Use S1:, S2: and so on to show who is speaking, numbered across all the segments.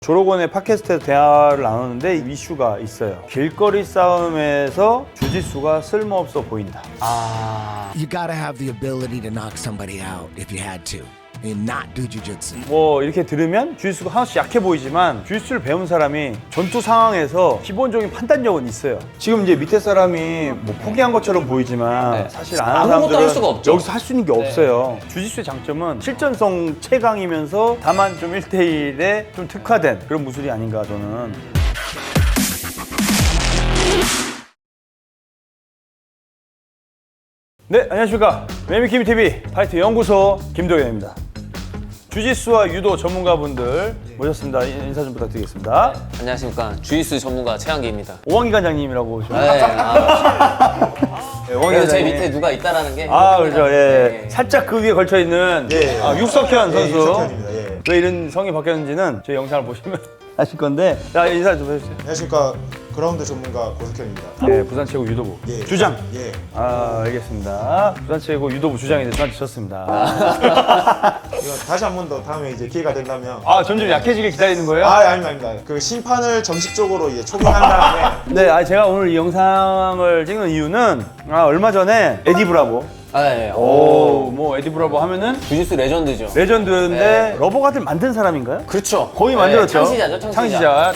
S1: 조로건의 팟캐스트에서 대화를 나누는데 이슈가 있어요. 길거리 싸움에서 주짓수가 쓸모없어 보인다.
S2: You gotta have the ability to knock somebody out if you had to. And not do jujitsu.
S1: 뭐 이렇게 들으면 주짓수가 하나씩 약해 보이지만 주짓수를 배운 사람이 전투 상황에서 기본적인 판단력은 있어요. 지금 이제 밑에 사람이 뭐 포기한 것처럼 보이지만 사실 아는
S3: 아무것도
S1: 사람들은
S3: 할 수가 없죠.
S1: 여기서 할 수 있는 게 없어요. 주짓수의 장점은 실전성 최강이면서 다만 좀 1대1에 좀 특화된 그런 무술이 아닌가 저는. 네, 안녕하십니까. 매미킴TV 파이트 연구소 김동현입니다. 주짓수와 유도 전문가분들 모셨습니다. 인사 좀 부탁드리겠습니다.
S3: 안녕하십니까. 주짓수 전문가 최한기입니다.
S1: 오왕기 관장님이라고 오시면
S3: 네,
S1: 네, 오왕기
S3: 그래서 제
S1: 관장님.
S3: 밑에 누가 있다라는 게.
S1: 그렇죠. 예.
S3: 네.
S1: 살짝 그 위에 걸쳐 있는 육석현 선수.
S4: 육석현입니다. 예.
S1: 왜 이런 성이 바뀌었는지는 저희 영상을 보시면 아실 건데, 자 인사 좀 해주세요.
S4: 안녕하십니까. 그라운드 전문가 고석현입니다.
S1: 네, 부산 최고 유도부
S4: 예.
S1: 주장.
S4: 예.
S1: 알겠습니다. 부산 최고 유도부 주장이 저한테 졌습니다.
S4: 이거 다시 한 번 더 다음에 이제 기회가 된다면.
S1: 점점 약해지길 기다리는 거예요?
S4: 아닙니다. 그 심판을 정식적으로 이제 초빙한 다음에
S1: 네, 제가 오늘 이 영상을 찍는 이유는 얼마 전에 에디 브라보.
S3: 네.
S1: 뭐 에디 브라보 하면은
S3: 주짓수 레전드죠.
S1: 레전드인데
S3: 네.
S1: 러버가들 만든 사람인가요?
S3: 그렇죠.
S1: 거의 만들었죠.
S3: 창시자죠, 창시자.
S1: 창시자.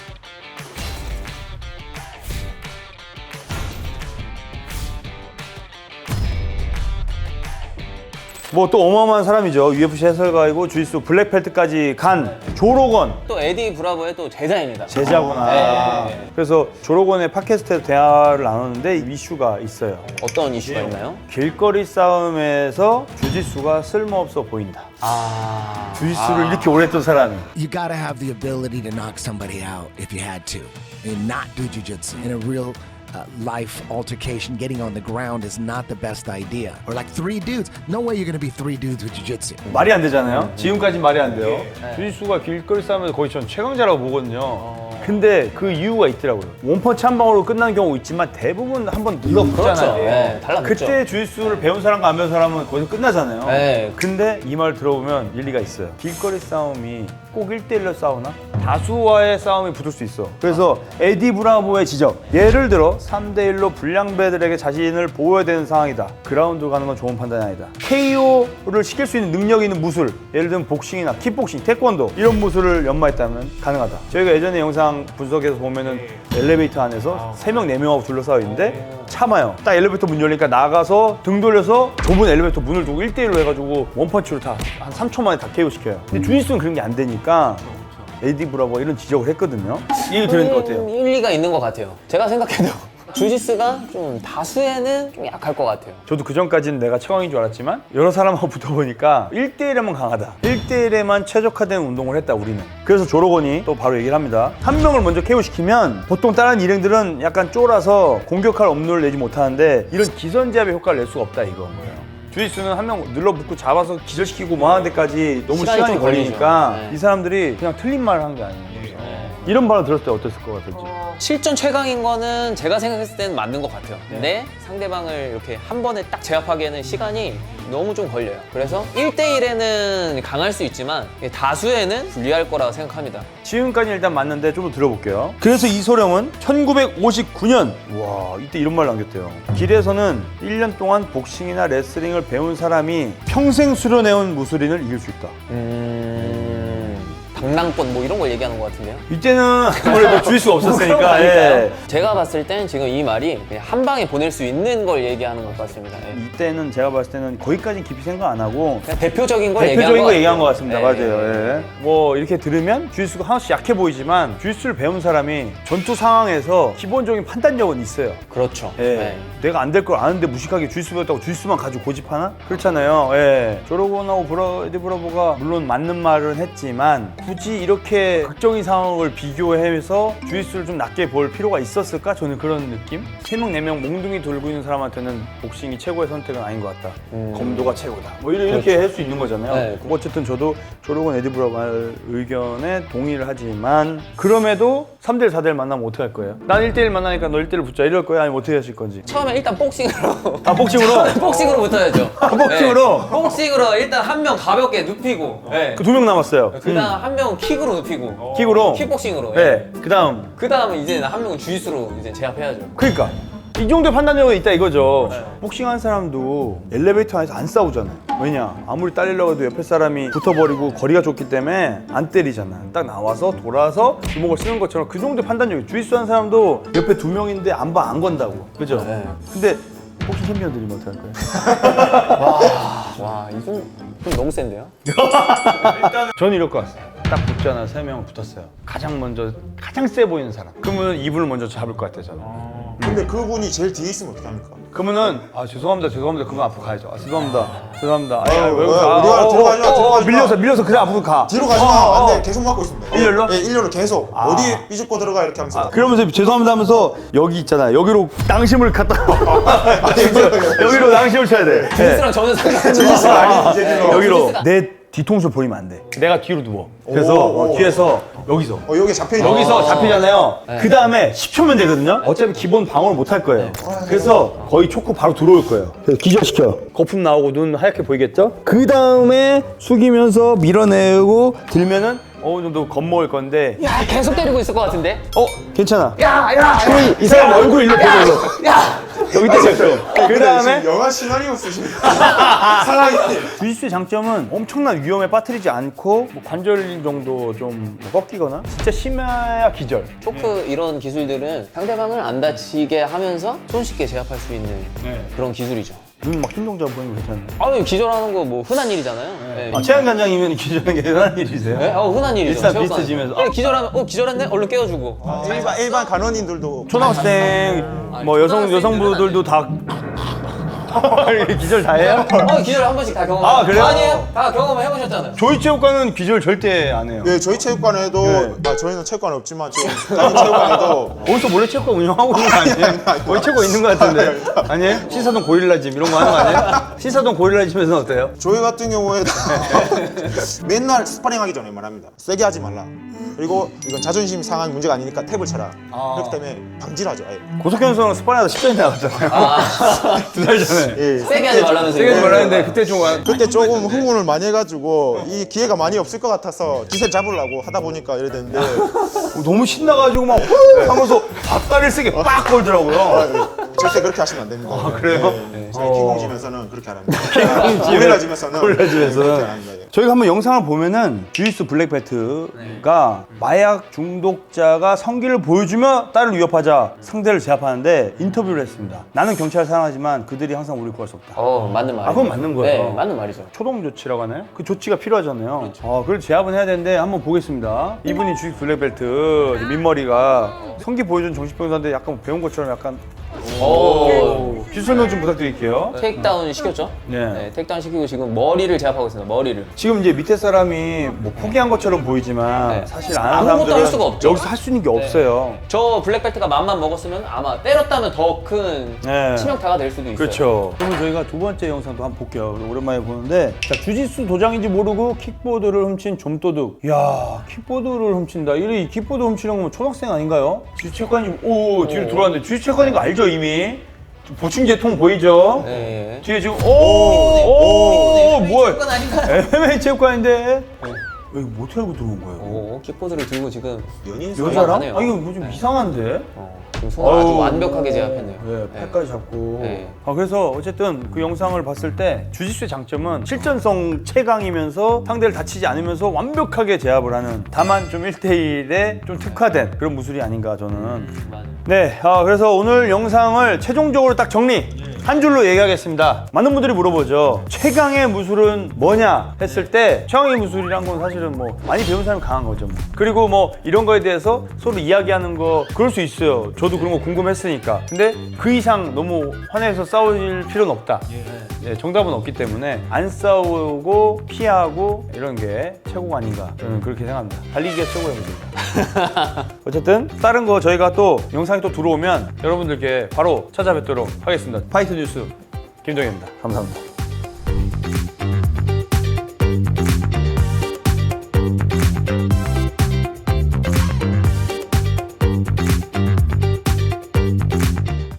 S1: 뭐 또 어마어마한 사람이죠. UFC 해설가이고 주짓수 블랙벨트까지 간 조로건
S3: 또 에디 브라보의 또 제자입니다.
S1: 제자구나.
S3: 네.
S1: 그래서 조로건의 팟캐스트에서 대화를 나누는데 이슈가 있어요.
S3: 어떤 이슈가 있나요?
S1: 길거리 싸움에서 주짓수가 쓸모없어 보인다. 주짓수를 이렇게 오래 했던 사람이.
S2: You gotta have the ability to knock somebody out if you had to. And not do jujitsu. In a real life altercation, getting on the ground is not the best idea. Or like three dudes. No way you're gonna be three dudes with jujitsu.
S1: 말이 안 되잖아요. 지금까지 말이 안 돼요. 주짓수가 길거리 싸움에서 거의 전 최강자라고 보거든요. 근데 그 이유가 있더라고요. 원펀치 한 방으로 끝난 경우 있지만 대부분 한번 눌러붙잖아요.
S3: 그렇죠. 네, 달라붙죠.
S1: 그때 주짓수를 배운 사람과 안 배운 사람은 거기서 끝나잖아요.
S3: 네.
S1: 근데 이 말 들어보면 일리가 있어요. 길거리 싸움이 꼭 1대1로 싸우나? 다수와의 싸움이 붙을 수 있어. 그래서 에디 브라보의 지적. 예를 들어 3대1로 불량배들에게 자신을 보호해야 되는 상황이다. 그라운드 가는 건 좋은 판단이 아니다. KO를 시킬 수 있는 능력이 있는 무술, 예를 들면 복싱이나 킥복싱, 태권도 이런 무술을 연마했다면 가능하다. 저희가 예전에 영상 분석해서 보면은 엘리베이터 안에서 3명, 4명하고 둘러싸여 있는데 참아요. 딱 엘리베이터 문 열리니까 나가서 등 돌려서 좁은 엘리베이터 문을 두고 1대1로 해가지고 원펀치로 다 한 3초 만에 다 KO 시켜요. 근데 주짓수는 그런 게 안 되니까 에디 브라보 이런 지적을 했거든요. 이 얘기 들으니까 어때요?
S3: 일리가 있는 것 같아요. 제가 생각해도 주짓수가 좀 다수에는 좀 약할 것 같아요.
S1: 저도 그전까지는 내가 최강인 줄 알았지만 여러 사람하고 붙어보니까 1대1에만 강하다. 1대1에만 최적화된 운동을 했다 우리는. 그래서 조로건이 또 바로 얘기를 합니다. 한 명을 먼저 KO시키면 보통 다른 일행들은 약간 쫄아서 공격할 업무를 내지 못하는데 이런 기선제압의 효과를 낼 수가 없다 이거예요. 주짓수는 한 명 눌러붙고 잡아서 기절시키고 뭐 하는 데까지 너무
S3: 시간이
S1: 시간이
S3: 좀
S1: 걸리니까
S3: 걸리죠. 네.
S1: 이 사람들이 그냥 틀린 말을 한 게 아니에요. 이런 말을 들었을 때 어땠을 것 같은지.
S3: 실전 최강인 거는 제가 생각했을 때는 맞는 것 같아요. 근데 상대방을 이렇게 한 번에 딱 제압하기에는 시간이 너무 좀 걸려요. 그래서 1대1에는 강할 수 있지만 다수에는 불리할 거라고 생각합니다.
S1: 지금까지 일단 맞는데 좀 더 들어볼게요. 그래서 이소룡은 1959년 와 이때 이런 말 남겼대요. 길에서는 1년 동안 복싱이나 레슬링을 배운 사람이 평생 수련해온 무술인을 이길 수 있다.
S3: 당랑권 뭐 이런 걸 얘기하는 것 같은데요.
S1: 이때는 아무래도 주짓수가 없었으니까. 예.
S3: 제가 봤을 땐 지금 이 말이 그냥 한 방에 보낼 수 있는 걸 얘기하는 것 같습니다. 예.
S1: 이때는 제가 봤을 때는 거기까지 깊이 생각 안 하고
S3: 그냥 대표적인 걸
S1: 대표적인 거
S3: 얘기한
S1: 얘기한 것
S3: 것
S1: 같습니다.
S3: 같아요.
S1: 맞아요. 예. 뭐 이렇게 들으면 주짓수가 하나씩 약해 보이지만 주짓수를 배운 사람이 전투 상황에서 기본적인 판단력은 있어요.
S3: 그렇죠.
S1: 예.
S3: 네.
S1: 내가 안 될 걸 아는데 무식하게 주짓수 배웠다고 주짓수만 가지고 고집하나? 그렇잖아요. 예. 조로건하고 에디 브라보가 물론 맞는 말은 했지만 굳이 이렇게 극적인 상황을 비교해서 주짓수를 좀 낮게 볼 필요가 있었을까? 저는 그런 느낌? 3명, 4명 몽둥이 돌고 있는 사람한테는 복싱이 최고의 선택은 아닌 것 같다. 검도가 최고다. 뭐 이렇게 할 수 있는 거잖아요.
S3: 네.
S1: 어쨌든 저도 조로건 에디 브라보의 의견에 동의를 하지만 그럼에도 3대1, 4대1 만나면 어떻게 할 거예요? 난 1대1 만나니까 너 1대1 붙자 이럴 거야? 아니면 어떻게 하실 건지?
S3: 처음에 일단 복싱으로.
S1: 아, 복싱으로?
S3: 복싱으로 붙어야죠.
S1: 복싱으로?
S3: 네. 복싱으로 일단 한 명 가볍게 눕히고. 네.
S1: 그 2명 남았어요.
S3: 그다음 한 명은 킥으로 눕히고.
S1: 킥으로?
S3: 킥복싱으로.
S1: 네. 그다음
S3: 그다음에 이제 한 명은 주짓수로 이제 제압해야죠.
S1: 그러니까 이 정도의 판단력이 있다 이거죠. 복싱한 사람도 엘리베이터 안에서 안 싸우잖아요. 왜냐? 아무리 딸리려고 해도 옆에 사람이 붙어버리고 거리가 좁기 때문에 안 때리잖아. 딱 나와서 돌아서 주먹을 쓰는 것처럼 그 정도의 판단력이. 주짓수 한 사람도 옆에 2명인데 안 건다고. 그죠? 근데 복싱 챔피언들이면 어떡할 거예요?
S3: 와, 이건 좀 너무 센데요?
S1: 저는 이럴 것 같아요. 딱 붙잖아. 3명 붙었어요. 가장 세 보이는 사람. 그러면 이분을 먼저 잡을 것 같아요, 저는.
S4: 근데 그분이 제일 뒤에 있으면 어떻게 합니까?
S1: 그러면은 죄송합니다. 그럼 앞으로 가야죠. 죄송합니다.
S4: 우리가 들어가지 마.
S1: 밀려서 그냥 앞으로 가.
S4: 뒤로 가지 마. 안 돼. 계속 막고 있습니다.
S1: 일렬로?
S4: 네, 일렬로 계속. 어디 삐죽고 들어가 이렇게 하면서.
S1: 그러면서 죄송합니다 하면서 여기 있잖아요. 여기로 낭심을 갖다 여기로 낭심을 쳐야 돼.
S3: 주짓수랑 전혀 상관없는
S1: 여기로 내 뒤통수 보이면 안 돼. 내가 뒤로 누워. 그래서
S4: 오.
S1: 뒤에서 여기서
S4: 여기 잡혀있는
S1: 여기서 잡히잖아요. 그 다음에 10초면 되거든요. 어차피 기본 방어를 못 할 거예요. 그래서 거의 초코 바로 들어올 거예요. 그래서 기절시켜. 거품 나오고 눈 하얗게 보이겠죠? 그 다음에 숙이면서 밀어내고 들면은 어느 정도 겁먹을 건데.
S3: 야, 계속 때리고 있을 것 같은데?
S1: 괜찮아. 이 사람 얼굴 일로 보고. 여기 때렸어. 그 다음에
S4: 영화 시나리오 쓰십니다. 사랑이.
S1: 주짓수의 장점은 엄청난 위험에 빠뜨리지 않고 뭐 관절 정도 좀 꺾이거나 진짜 심해야 기절.
S3: 초크 이런 기술들은 상대방을 안 다치게 하면서 손쉽게 제압할 수 있는 그런 기술이죠.
S1: 눈 막 흰 동자 보이는 거 괜찮네.
S3: 아유, 기절하는 거 뭐 흔한 일이잖아요. 네.
S1: 최양관장이면 기절하는 게 흔한 일이세요?
S3: 네? 흔한 일이죠.
S1: 일단
S3: 체육관.
S1: 비슷해지면서.
S3: 네, 기절하면 기절했네? 얼른 깨워주고.
S4: 일반 간원인들도
S1: 초등학생, 뭐 여성분들도 다 기절 다 해요?
S3: 기절 한 번씩 다 경험.
S1: 아, 그래요?
S3: 아니에요? 다 경험을 해보셨잖아요.
S1: 조이체육관은 기절 절대 안 해요.
S4: 네, 저희 체육관에도
S1: 네.
S4: 저희는 체육관 없지만 지금 다른 체육관에도
S1: 어디서 몰래 체육관 운영하고 있는 거 아니에요? 거기 체육관 있는 거 같은데. 아니에요? 신사동 고릴라짐 이런 거 하는 거 아니에요? 신사동 고릴라짐에서는 어때요?
S4: 저희 같은 경우에도 맨날 스파링 하기 전에 말합니다. 세게 하지 말라. 그리고 이건 자존심 상한 문제가 아니니까 탭을 쳐라. 그렇기 때문에 방지를 하죠. 아예.
S1: 고석현 선수랑 스파링하다 10전이 나갔잖아요. 2달 전에.
S4: 예.
S3: 세게 하지 말라면서.
S1: 세게 하지 말라는데 그때 좀
S4: 그때 조금 흥분을 많이 해가지고 이 기회가 많이 없을 것 같아서 기세 잡으려고 하다 보니까 이래 됐는데
S1: 너무 신나가지고 막 후 하면서 닭다리를 세게 빡 걸더라고요.
S4: 절대 그렇게 하시면 안 됩니다.
S1: 그래요?
S4: 네, 저희 킹공지면서는 그렇게 안 합니다. 고릴라지면서는
S1: 고릴라짐에서는.
S4: 그렇게 안 합니다.
S1: 저희가 한번 영상을 보면은 주짓수 블랙벨트가 마약 중독자가 성기를 보여주며 딸을 위협하자 상대를 제압하는데 인터뷰를 했습니다. 나는 경찰을 사랑하지만 그들이 항상 우리를 구할 수 없다.
S3: 맞는 말이죠.
S1: 그건 맞는 거예요.
S3: 네, 맞는 말이죠.
S1: 초동 조치라고 하나요? 그 조치가 필요하잖아요. 그걸 제압은 해야 되는데 한번 보겠습니다. 이분이 주짓수 블랙벨트 민머리가 성기 보여준 정신병사인데 약간 배운 것처럼 약간 기술 설명 좀 부탁드릴게요.
S3: 테이크다운 시켰죠?
S1: 네.
S3: 테이크다운 시키고 지금 머리를 제압하고 있습니다. 머리를.
S1: 지금 이제 밑에 사람이 뭐 포기한 것처럼 보이지만
S3: 네.
S1: 사실 안 하는
S3: 아무것도
S1: 사람들은
S3: 할 수가 없죠.
S1: 여기서 할 수 있는 게 없어요.
S3: 저 블랙벨트가 맘만 먹었으면 아마 때렸다면 더 큰
S1: 네.
S3: 치명타가 될 수도 있어요.
S1: 그렇죠. 그러면 저희가 두 번째 영상도 한번 볼게요. 오랜만에 보는데 자, 주짓수 도장인지 모르고 킥보드를 훔친 좀도둑. 이야, 킥보드를 훔친다. 이 킥보드 훔치는 거면 초등학생 아닌가요? 주짓체육관이 뒤로 들어왔는데 주짓체육관인 거 알죠 이미? 보충제통 보이죠?
S3: 네.
S1: 뒤에 지금
S3: 뭐야?
S1: 뭐야?
S3: 아닌가요?
S1: MMA 체육관인데 여기 뭐 어떻게 알고 들어온 거예요?
S3: 킥보드를 들고 지금
S1: 여자랑?
S3: 하네요.
S1: 이거 뭐 좀 이상한데?
S3: 지금 손을 아주 완벽하게 제압했네요.
S1: 네, 팔까지 잡고.
S3: 네.
S1: 그래서 어쨌든 그 영상을 봤을 때 주짓수의 장점은 실전성 최강이면서 상대를 다치지 않으면서 완벽하게 제압을 하는 다만 좀 1대1에 좀 특화된 그런 무술이 아닌가 저는. 네, 그래서 오늘 영상을 최종적으로 딱 정리 한 줄로 얘기하겠습니다. 많은 분들이 물어보죠. 최강의 무술은 뭐냐 했을 때 최강의 무술이란 건 사실은 뭐 많이 배운 사람이 강한 거죠. 그리고 뭐 이런 거에 대해서 서로 이야기하는 거 그럴 수 있어요. 저도 그런 거 궁금했으니까. 근데 그 이상 너무 화내서 싸울 필요는 없다. 네, 정답은 없기 때문에 안 싸우고 피하고 이런 게 최고가 아닌가 저는 그렇게 생각합니다. 달리기가 최고의 무술입니다. 어쨌든 다른 거 저희가 또 영상이 또 들어오면 여러분들께 바로 찾아뵙도록 하겠습니다. 파이트 뉴스 김동현입니다. 감사합니다.